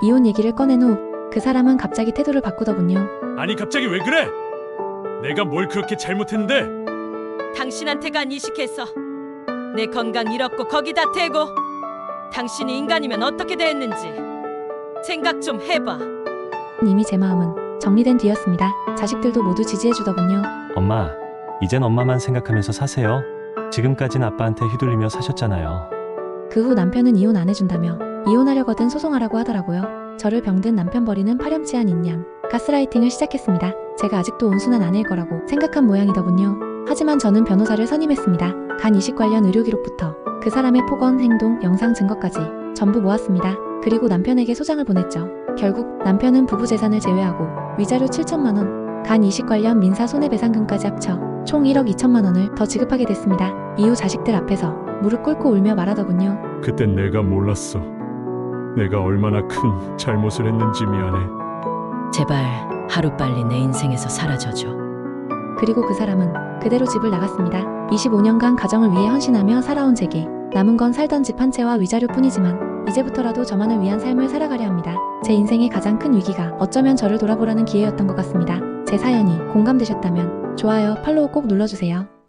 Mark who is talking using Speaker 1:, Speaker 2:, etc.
Speaker 1: 이혼 얘기를 꺼낸 후 그 사람은 갑자기 태도를 바꾸더군요.
Speaker 2: 아니 갑자기 왜 그래? 내가 뭘 그렇게 잘못했는데?
Speaker 3: 당신한테 간 이식해서 내 건강 잃었고 거기다 대고 당신이 인간이면 어떻게 됐는지 생각 좀 해봐.
Speaker 1: 이미 제 마음은 정리된 뒤였습니다. 자식들도 모두 지지해주더군요.
Speaker 4: 엄마, 이젠 엄마만 생각하면서 사세요. 지금까진 아빠한테 휘둘리며 사셨잖아요.
Speaker 1: 그 후 남편은 이혼 안 해준다며 이혼하려거든 소송하라고 하더라고요. 저를 병든 남편 버리는 파렴치한 인양, 가스라이팅을 시작했습니다. 제가 아직도 온순한 아내일 거라고 생각한 모양이더군요. 하지만 저는 변호사를 선임했습니다. 간 이식 관련 의료 기록부터 그 사람의 폭언, 행동, 영상 증거까지 전부 모았습니다. 그리고 남편에게 소장을 보냈죠. 결국 남편은 부부 재산을 제외하고 위자료 7천만 원, 간 이식 관련 민사 손해배상금까지 합쳐 총 1억 2천만 원을 더 지급하게 됐습니다. 이후 자식들 앞에서 무릎 꿇고 울며 말하더군요.
Speaker 2: 그땐 내가 몰랐어. 내가 얼마나 큰 잘못을 했는지 미안해.
Speaker 3: 제발 하루빨리 내 인생에서 사라져줘.
Speaker 1: 그리고 그 사람은 그대로 집을 나갔습니다. 25년간 가정을 위해 헌신하며 살아온 제게 남은 건 살던 집 한 채와 위자료뿐이지만 이제부터라도 저만을 위한 삶을 살아가려 합니다. 제 인생의 가장 큰 위기가 어쩌면 저를 돌아보라는 기회였던 것 같습니다. 제 사연이 공감되셨다면 좋아요, 팔로우 꼭 눌러주세요.